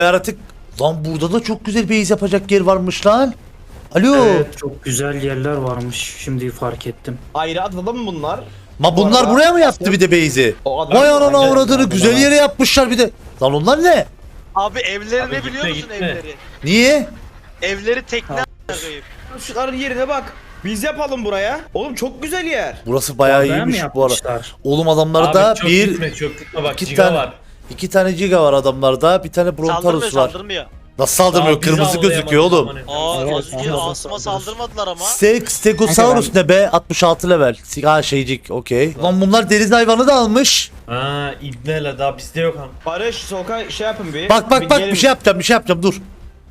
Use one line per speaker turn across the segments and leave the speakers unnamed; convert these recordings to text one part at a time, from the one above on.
Yaratık. Lan burada da çok güzel base yapacak yer varmış lan. Alo.
Evet, çok güzel yerler varmış. Şimdi fark ettim.
Ayrı adada mı bunlar?
Ma bunlar
arada-
buraya mı yaptı bir de base'i?
O adam-
Vay anana
Aynen,
avradını
aynen.
güzel yere yapmışlar bir de. Lan onlar ne?
Abi evleri
Abi
ne
gitme,
biliyor musun
gitme.
evleri?
Niye?
Evleri tekne a**ayım.
Şunların yerine bak. Biz yapalım buraya. Oğlum çok güzel yer.
Burası bayağı
Adaya mı
iyiymiş bu ara.
yapmışlar?
Oğlum adamlarda
Abi çok
bir
gitme, çok gitme bak
iki
giga
tane
var.
2 tane giga var adamlarda. Bir tane
Saldırmıyor
Brontarus var.
saldırmıyor.
Nasıl saldırmıyor?
Daha biz
Kırmızı
avlayamadık
gözüküyor oğlum.
amına.
Aa az önce
evet,
Asım'a saldırmadılar ama.
Stegosaurus ne be? 66 level. Ha şeycik okey. Lan bunlar deniz hayvanı da almış.
Ha İbne'yle daha bizde yok han.
Barış sokağa şey yapın bir.
Bak bak bak
gelin.
bir şey yapacağım dur.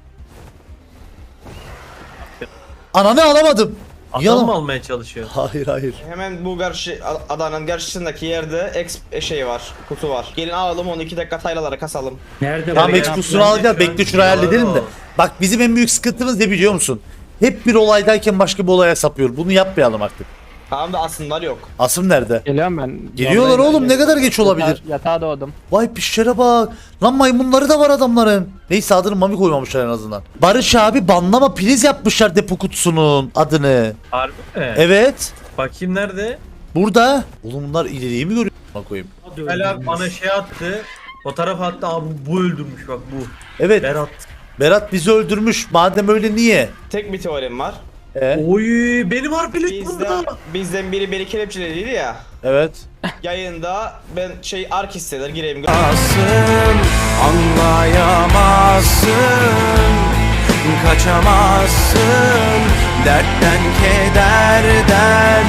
Ananı alamadım.
Adam
Yalan.
mı almaya çalışıyor?
Hayır.
Hemen bu karşı adanın karşısındaki yerde şey var. Kutu var. Gelin alalım onu 2 dakika taylalara kasalım.
Nerede
Tamam
bu?
ekskursunu alacağız. Bekle şurayı halledelim de. Bak bizim en büyük sıkıntımız ne biliyor musun? Hep bir olaydayken başka bir olaya sapıyor. Bunu yapmayalım artık.
Tamam da aslında yok.
Asım nerede?
Geliyorum ben.
Geliyorlar
Yoldayım.
oğlum ne kadar geç olabilir?
Yatağa doğdum.
Vay pişlere bak. Lan maymunları da var adamların. Neyse adını Mami koymamışlar en azından. Barış abi banlama priz yapmışlar depo kutusunun adını.
Harbi mi?
Evet.
Bakayım nerede?
Burada. Oğlum bunlar ileriyi mi görüyor? Bak koyayım.
Hala bana şey attı. Fotoğraf attı abi bu öldürmüş bak bu.
Evet.
Berat.
Berat bizi öldürmüş. Madem öyle niye?
Tek bir teorim var.
Oy benim harpelik burada.
Bizden biri beni kelepçelediydi ya.
Evet.
Yayında ben ark hisseder gireyim.
Anlayamazsın, kaçamazsın, dertten kederden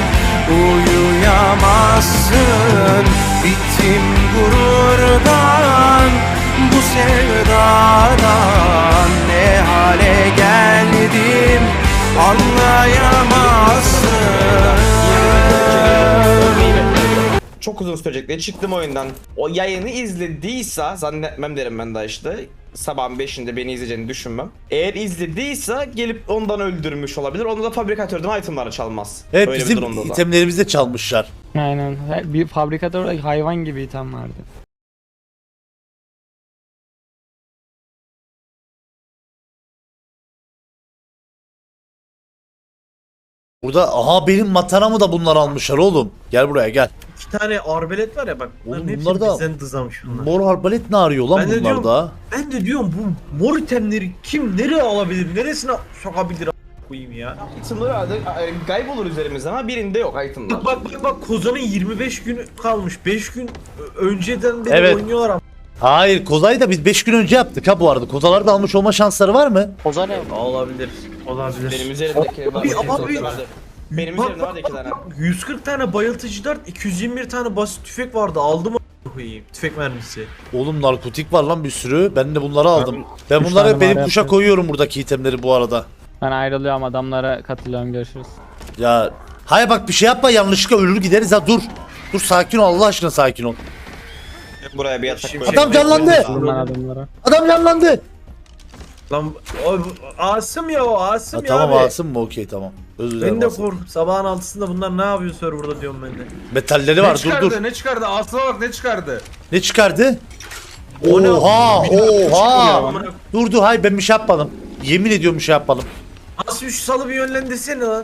uyuyamazsın. Bittim gururdan, bu sevdadan, ne hale geldim anlayamazsın.
Çok uzun sürecek diye çıktım oyundan. O yayını izlediyse zannetmem derim ben daha işte. Sabahın 5'inde beni izleyeceğini düşünmem. Eğer izlediyse gelip ondan öldürmüş olabilir. Onda da fabrikatörden itemları çalmaz.
Evet
Öyle bir
bizim
durumda da.
itemlerimizi de çalmışlar.
Aynen. Bir fabrikatör hayvan gibi item vardı.
Burada aha benim mataramı da bunlar almışlar oğlum. Gel buraya gel.
2 tane arbelet var ya bak. Bunların
Oğlum
hepsi
bunlar da-
bizden dızamış bunlar.
Mor arbalet ne arıyor lan
Ben de
bunlar
diyorum-
da?
Ben de diyorum bu mor itemleri kim nereye alabilir? Neresine sokabilir a- koyayım ya?
Itemları herhalde kaybolur üzerimizde ama birinde yok itemlar.
Bak Kozan'ın 25 günü kalmış. 5 gün önceden beri
Evet.
oynuyorlar ama.
Hayır Kozay'ı da biz 5 gün önce yaptık ha bu arada. Kozalar da almış olma şansları var mı?
Oza ne?
Olabilir. Olabilir.
Benim üzerimdeki var.
Abi.
Benim
Bak,
üzerimde var da 2 tane.
140 tane bayıltıcı dart, 221 tane basit tüfek vardı. Aldım a- koyayım. Tüfek mermisi.
Oğlum narkotik var lan bir sürü. Ben de bunları aldım. Ben
üç
bunları
tane
benim
var
kuşa
yapıyorum.
koyuyorum buradaki itemleri bu arada.
Ben ayrılıyorum, adamlara katılıyorum, görüşürüz.
Ya hayır bak bir şey yapma yanlışlıkla ölür gideriz ha dur. Dur sakin ol Allah aşkına sakin ol.
Buraya bir yatak
Şimdi-
koyalım.
Adam canlandı.
Vurdum ben adamlara.
Adam canlandı.
Lan Asım ya o Asım
Ha,
ya
tamam
abi.
Asım mı okey tamam. Özür dilerim
Ben de
Asım.
korkup sabahın 6'sında bunlar ne yapıyor serverda diyorum ben de.
Metalleri var dur dur.
Ne çıkardı? Aslına bak ne çıkardı?
Ne çıkardı?
O ne?
Oha oha.
Amına-
Dur dur hayır ben bir şey yapmadım. Yemin ediyorum bir şey yapmadım.
Asım şu salı bir yönlendirsene lan.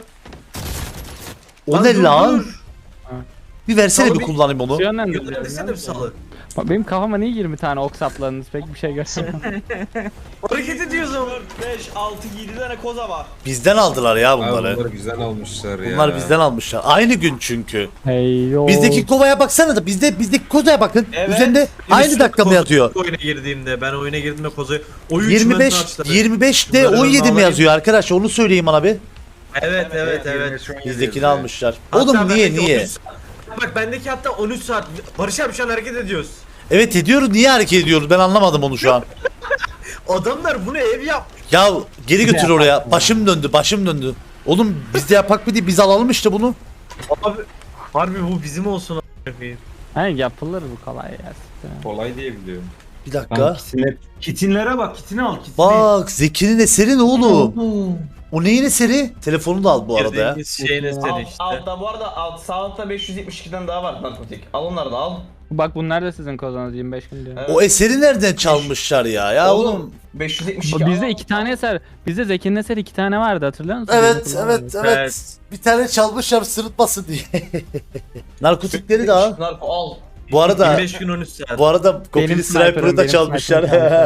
O ne
dur,
lan?
dur.
Bir versene
Salı
bir
bir-
kullanayım onu.
Yönlendirsene bir salı.
Bak benim kafama niye 20 tane ok sapladınız, pek bir şey görmedim.
Hareket ediyoruz ama.
5, 6, 7 tane koza var.
Bizden aldılar ya bunları.
Bunları bizden almışlar ya.
Bunlar bizden almışlar. Aynı gün çünkü.
Hey yo.
Bizdeki kovaya baksana da bizdeki kozaya bakın.
Evet.
Üzerinde aynı dakika mı yatıyor?
Oyuna girdiğimde ben oyuna girdiğimde kozayı oyun
25 de
Bunları
17 mi
alayım.
yazıyor arkadaş? Onu söyleyeyim bana bir.
Evet.
Bizdekini almışlar.
Hatta
Oğlum niye
bendeki
niye?
13 saat- Bak bendeki hatta 13 saat. Barış abi şu an hareket ediyoruz.
Evet ediyoruz. Niye hareket ediyoruz? Ben anlamadım onu şu an.
Adamlar bunu ev yap.
Ya geri götür oraya. Başım döndü. Oğlum biz de yapak mı diye biz alalım işte bunu.
Abi harbi bu bizim olsun a**ayım.
Hani yapılır bu, kolay ya.
Kolay diye biliyorum.
Bir dakika.
Kitinlere bak, kitini al kitini.
Bak Zeki'nin eseri ne oğlum? O neyin eseri? Telefonu da al bu arada ya.
Girdiğimiz şeyin eseri işte.
Altta bu arada sağ altta 572'den daha var narkotik. Al onları da al.
Bak bunlar da sizin kozunuz 25 gün diyor.
Evet.
O eseri nereden çalmışlar ya? Ya oğlum.
572
Bizde
al.
2 tane eser. Bizde Zeki'nin eseri 2 tane vardı hatırlıyor musun?
Evet,
Bizim
evet,
kullanmadık.
evet.
Evet.
Bir tane çalmışlar sırıtmasın diye. Narkotikleri de al.
Narko al.
Bu arada
25 gün 13 saat.
bu arada Kopili
Benim
Sniper'ı
sniper'ım,
da
benim
çalmışlar.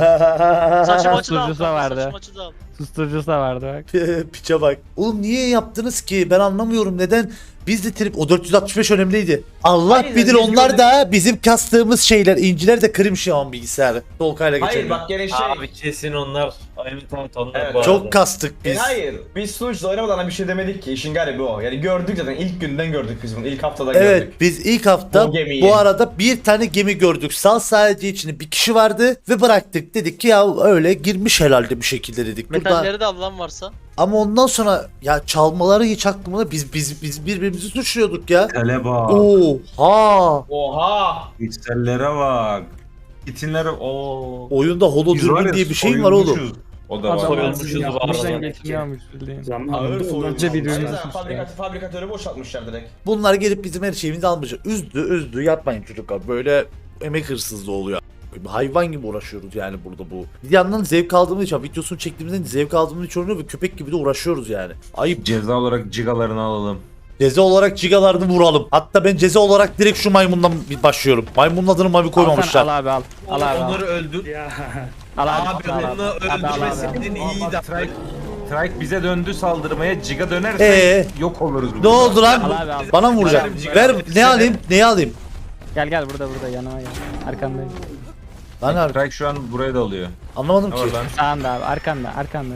Saçım açı da al.
Susturucusu da vardı.
Saçım açı da al.
Susturucusu da vardı bak.
Piçe bak. Oğlum niye yaptınız ki? Ben anlamıyorum neden. Biz de trip o 465 önemliydi. Allah
Hayır,
bilir
biz
onlar
gördük.
da bizim kastığımız şeyler. İnciler de kırmış ya on bilgisayarı. Solkay'la geçelim.
Hayır bak gene şey.
Abi kesin onlar. Evet onlar
Evet.
bu arada.
Çok kastık biz.
Hayır. Biz sunucuda oynamadan bir şey demedik ki. İşin garibi o. Yani gördük zaten. İlk günden gördük biz bunu. İlk haftadan
Evet
gördük.
biz ilk hafta
O gemiyi.
bu arada bir tane gemi gördük. Sadece içinde bir kişi vardı ve bıraktık. Dedik ki ya öyle girmiş herhalde bir şekilde dedik. Burada
Metalleri de Allah'ın varsa.
ama ondan sonra ya çalmaları hiç aklımda biz birbirimizi suçluyorduk ya.
Tele bak.
Oha!
Oha.
Piksellere bak. Kitinlere o.
Oyunda holodürmün diye bir şey mi var oğlum?
O da var.
Soyulmuşuz var.
Bizden geçmiyormuş bildiğin.
Ağır
Zamanında
soyulmuş.
Önce birbirimizi
Aynen,
suçluyor.
fabrikatörü boşaltmışlar direkt.
Bunlar gelip bizim her şeyimizi almışlar. Üzdü yapmayın çocuklar. Böyle emek hırsızlığı oluyor. Hayvan gibi uğraşıyoruz yani burada bu. Bir yandan zevk aldığımız için videosunu çektiğimizden zevk aldığımız için oynuyor ve köpek gibi de uğraşıyoruz yani. Ayıp.
Ceza olarak cigalarını alalım.
Ceza olarak cigalarını vuralım. Hatta ben ceza olarak direkt şu maymundan bir başlıyorum. Maymunun adını Mami koymamışlar.
Al abi al. Al abi al.
Onları öldür.
Al abi.
Abi
al
onu
Abi, al abi.
öldürmeseydin iyiydi.
Trike bize döndü saldırmaya, ciga dönerse yok oluruz burada.
Ne oldu lan?
Al abi al.
Bana mı vuracak? Ver ne alayım? Neyi alayım?
Gel burada yanıma gel. Arkandayım.
Lan abi,
Trike şu an buraya da alıyor.
anlamadım
Ne
ki.
var lan?
Sağında abi arkanda.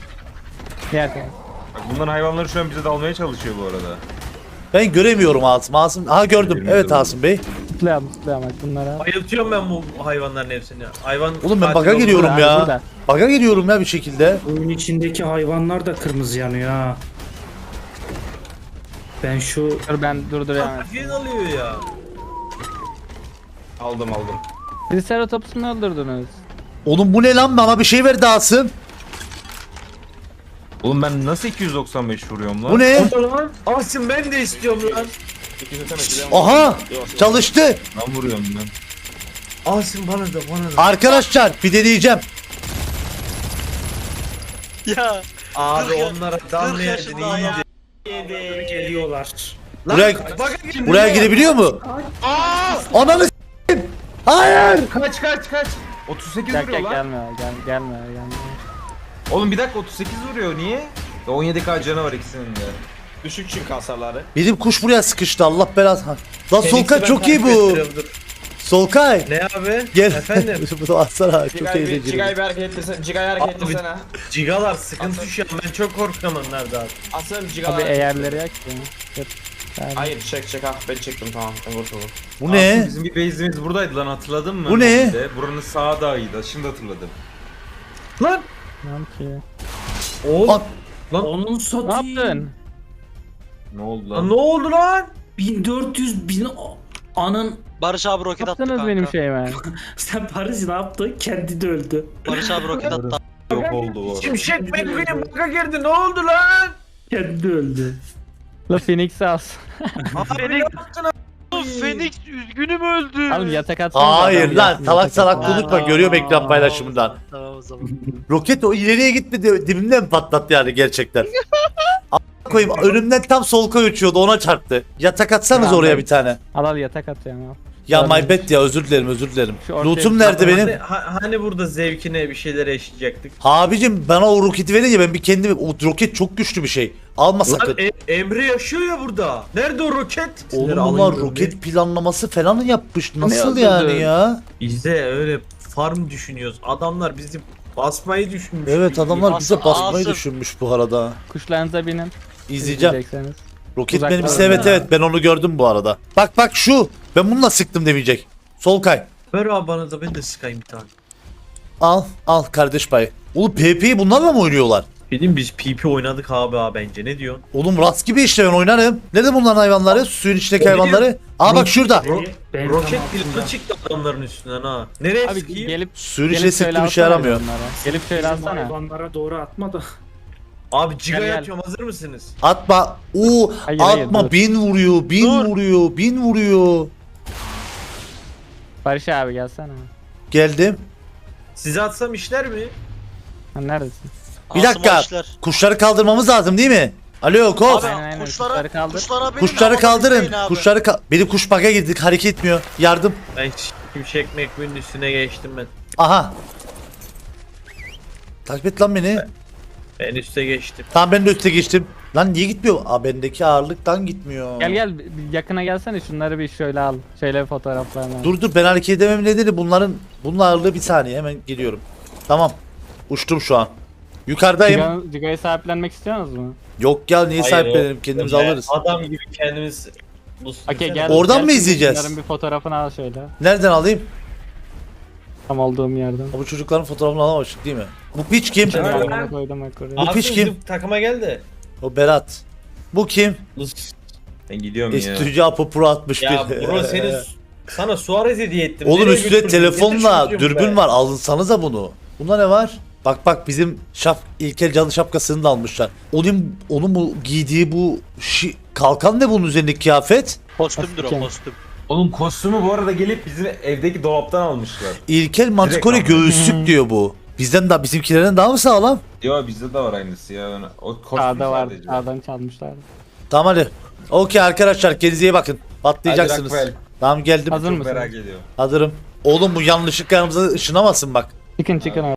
Diğer taraf.
Bak bunların hayvanları şu an bize dalmaya çalışıyor bu arada.
Ben göremiyorum Asım. Aha gördüm. Evet Asım Bey.
Tutlayalım bak bunlara.
Bayıltıyorum ben bu hayvanların hepsini. Hayvan
Oğlum ben
katil
baga
oldu.
giriyorum
Burada,
ya.
burada.
Baga giriyorum ya bir şekilde.
Oyun içindeki hayvanlar da kırmızı yanıyor ha. Ben şu
Dur ben durduruyorum.
Katil alıyor ya.
Aldım.
Triceratops'u mu öldürdünüz?
Oğlum bu ne lan? Bana bir şey verdi Asım.
Oğlum ben nasıl 295 vuruyorum lan?
Bu ne?
O da lan. Asım ben de istiyorum lan.
Aha! Çalıştı.
Ben vuruyorum ben.
Asım bana da.
Arkadaşlar bir deneyeceğim.
Ya.
Abi
Kırk ya-
onlara
40
damlayaydın
yaşında ya.
iyiydi.
geliyorlar.
Buraya,
Baga
buraya girebiliyor mu? Ananı s**eyim. Hayır!
Kaç. 38
Gel
vuruyor lan.
gelme.
Oğlum bir dakika 38 vuruyor niye? 17k canı var ikisinin de.
Düşük çünkü hasarları.
Benim kuş buraya sıkıştı Allah belası. Lan Solkay çok iyi bu. Solkay.
Ne abi?
Gel.
Efendim?
Bunu atsana çok
Cigay'ı
eğlenceli.
bir hareket ettirsene. Cigay'ı hareket
Abi-
ettirsene.
Cigalar sıkıntı şu an ben çok korkuyorum onlardan.
Asım
Abi
cigayı.
eğerleri yak ya. Dur. Yani.
Hayır çek ha ben çektim tamam. Ben kurtuldum.
Bu
Aslında
ne?
bizim bir base'imiz buradaydı lan hatırladın mı?
Bu ne?
Bir de Buranın sağı dağıydı şimdi hatırladım.
Lan!
Tamam ki.
Oğlum!
Onun
Ne
satayım.
yaptın?
Ne oldu
Lan
lan?
ne oldu lan?
1400 bin anın
Barış abi roket attı
Yaptınız
kanka.
benim şeyime.
sen Paris ne yaptı? Kendi de öldü.
Barış abi roket attı.
Yok oldu bu arada.
Şimşek McQueen baka girdi ne oldu lan?
Kendi de öldü.
La Phoenix alsın.
Abi ne yaptın abi?
Phoenix üzgünüm öldü.
Oğlum yatak atsana.
Hayır lan salak salak
konuşma.
konuşma görüyorum ekran paylaşımından.
Tamam o zaman.
Roket o ileriye gitmedi dibimden mi patlattı yani gerçekten? A**a koyayım önümden tam Solkay uçuyordu ona çarptı. Yatak atsanız
Ya
oraya
ben-
bir tane.
Al yatak at yani al.
Ya
Görmedim.
my bad ya özür dilerim.
Şu ortaya
Lootum
bir
nerede benim?
Hani burada zevkine bir şeyler eşleyecektik.
Abicim bana o roketi verince ben bir kendimi o roket çok güçlü bir şey. Alma sakın.
Lan Emre yaşıyor ya burada. Nerede o roket?
Oğlum
Alayım
bunlar
ben
roket planlaması falan yapmış. Nasıl
Ne
yani
öldürdün?
ya?
Biz de öyle farm düşünüyoruz. Adamlar bizi basmayı düşünmüş.
Evet adamlar bize
Asım,
basmayı
Asım.
düşünmüş bu arada.
Kuşlarınıza binin.
İzleyeceğim.
İzleyecekseniz.
Roket
Uzaktan
mermisi evet
ya.
evet ben onu gördüm bu arada. Bak şu. Ben bununla sıktım demeyecek. Solkay.
Ver abi bana da ben de sıkayım bir tane.
Al kardeş payı. Oğlum PP'yi bunlarla mı oynuyorlar?
Dedim biz PP oynadık abi bence ne diyorsun?
Oğlum rast gibi işte ben oynarım. Nerede bunların hayvanları? Suyun içindeki
O biliyor.
hayvanları. Aa bak şurada.
Ben
Roket
tam
planı
altında.
çıktı adamların üstünden ha. Nereye
Abi
sıkayım?
gelip
Suyun
gelip
içine
şöyle
sıktım işe
alsana
yaramıyor.
onlara. Gelip şöyle
Bizim
alsana.
hayvanlara doğru atma da.
Abi Ciga'ya
Gel, gel.
atıyorum, hazır mısınız?
Atma. Oo,
Hayır, hayır,
atma.
dur.
1000 vuruyor. 1000 vuruyor. 1000 vuruyor.
Barış abi gelsene.
Geldim.
Size atsam işler mi?
Ha, neredesin?
Bir dakika.
Asım
Kuşları kaldırmamız lazım değil mi? Alo Kof.
Abi
Aynen,
kuşlara,
kuşları kaldır.
kuşlara benim
Kuşları
havada
kaldırın.
bekleyin abi.
Benim kuş bug'a girdik. Hareket etmiyor. Yardım.
Ben şimşek mekbinin üstüne geçtim ben.
Aha. Takip et lan beni.
Ben üste geçtim.
Tamam ben de üste geçtim. Lan niye gitmiyor? Aa bendeki ağırlıktan gitmiyor.
Gel gel bir yakına gelsene şunları bir şöyle al. Şöyle bir fotoğraflarını al.
Dur ben hareket edemem nedeni bunun ağırlığı bir saniye hemen geliyorum. Tamam. Uçtum şu an. Yukarıdayım.
Ciga'yı sahiplenmek istiyorsunuz mu?
Yok ya niye
Hayır,
sahiplenelim kendimiz
Öyle
alırız.
Adam gibi kendimiz... Bu
Okey gel.
Oradan
gel
mı
şimdi
izleyeceğiz?
Şunların bir fotoğrafını al şöyle.
Nereden alayım?
Tam olduğum yerden.
Bu çocukların fotoğrafını alamamıştık değil mi? Bu piç kim?
Evet.
Yanına koydum bak oraya.
Bu piç kim?
Takıma gel de.
O Berat. Bu kim?
Ben gidiyorum ya.
Estüdyo Apo Pro 61.
Ya bro sana Suarez hediye ettim.
Oğlum
Nereye
üstüne
götürdün?
telefonla
Ne düşündün
dürbün
be?
var. Alınsanıza bunu. Bunda ne var? Bak bizim İlkel Cadı şapkasını da almışlar. Onun bu giydiği bu kalkan ne bunun üzerindeki kıyafet?
Kostümdür o
Kostüm.
kostüm.
Oğlum kostümü bu arada gelip bizim evdeki dolaptan almışlar.
İlkel Mantikore
Direkt aldım.
göğüslük diyor bu. Bizimkilerin daha mı sağlam?
Yo bizde de var aynısı ya. O kostüm
Sağda var.
sadece.
Sağdan çalmışlar.
Tamam hadi. Okey arkadaşlar kendinize iyi bakın. Patlayacaksınız.
Hadi Rockwell.
Tamam geldim.
Hazır
Çok
mısın?
merak ediyorum.
Hazırım. Oğlum bu yanlışlıkla yanımıza ışınamasın bak.
Çıkın çıkın.